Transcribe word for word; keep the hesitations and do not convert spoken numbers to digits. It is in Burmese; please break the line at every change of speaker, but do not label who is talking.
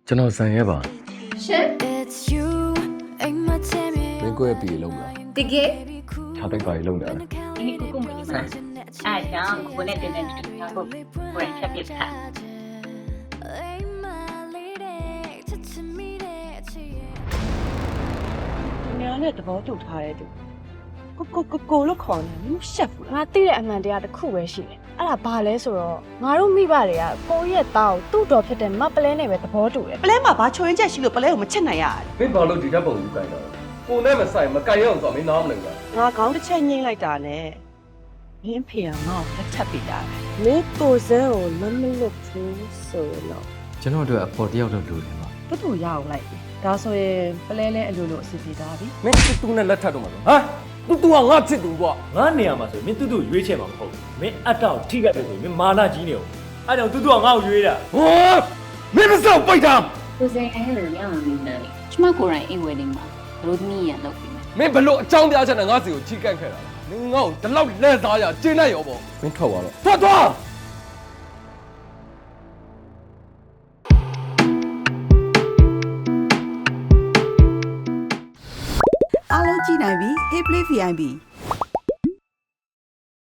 ကျွန်တော်ဆန်ရဲပါ
ရှင်
မင်းကိုရဲ့ပြည်လုံးလား
တကယ်
ခြားတိုက်ပါရီလုံးတယ်
ဒီနေ့ကိုကိုမင်းစားအားကြောင့်ကိုနဲ့တင်တဲ့တူတာကိုကိုရင်ချက်ပြစ်ထား
။ညာနဲ့သဘောတူထားတဲ့သူကိုကိုကိုကိုလို့ခေါ်နေတယ်မရှက်ဘူးလား
ငါသိတဲ့အမှန်တရားတစ်ခုပဲရှိတယ်အဲ့ဒါဘာလဲဆိုတော့ငါတို့မိဘတွေကကိုရဲ့သားကိုသူ့တော်ဖြစ်တဲ့မပလဲနဲ့ပဲသဘောတူတယ်
။ပလဲမှာဘာချွင်းချက်ရှိလို့ပလဲကိုမချစ်နိုင်ရတာ
မင်းဘာလို့ဒီတက်ပုံယူကြိုင်တော့ကိုနဲ့မဆိုင်မကြိုင်ရအောင်ဆိုမင်းနားမလည်ဘူးလား
။ငါခေါင်းတစ်ချက်ညှိလိုက်တာနဲ့မင်းဖေကငါ့ကိုလက်ထပ်ပေးတာ။မင်းကိုစဲကိုမမလွတ်ဘူးဆိုတော့
ကျွန်တော်တို့အဖော်တယောက်တော့လိုတယ်ပါ
ဘသူရအောင်လိုက်။ဒါဆိုရင်ပလဲလဲအလိုလိုအစီအပြေသားပြီ
မင်းတူတူနဲ့လက်ထပ်တော့မှာလို့ဟာတူတူကငါချစ်သူကွာ
ငါနေရာမှာဆိုမင်းတူတူရွေးချယ်မှာမဟုတ်ဘူးမင်းအတောက်ထိခိုက်ပဲဆိုမင်းမာနကြီးနေအောင်အဲ့ကြောင့်တူတူကငါ့ကိုရွေးတာ
ဟောမင်းမစောက်ပိတ်တာ
ကိုစိန်အဲ့လိုရအောင်နေတယ်ကျမကိုယ်တိုင်အိမ်ဝယ်နေမှာဘလို့သမီးရလောက်ပြီ
မင်းဘလို့အကြောင်းပြချက်နဲ့ငါစီကိုချီကန့်ခဲ့တာမင်းငါ့ကိုဒီလောက်လက်သားရကျင်းလိုက်ရောပေါ့မင်းထွက်သွားတော့ထွက်သွား
အားလုံးကြည့်နိုင်ပြီ Hey Play ဗီ အိုင် ပီ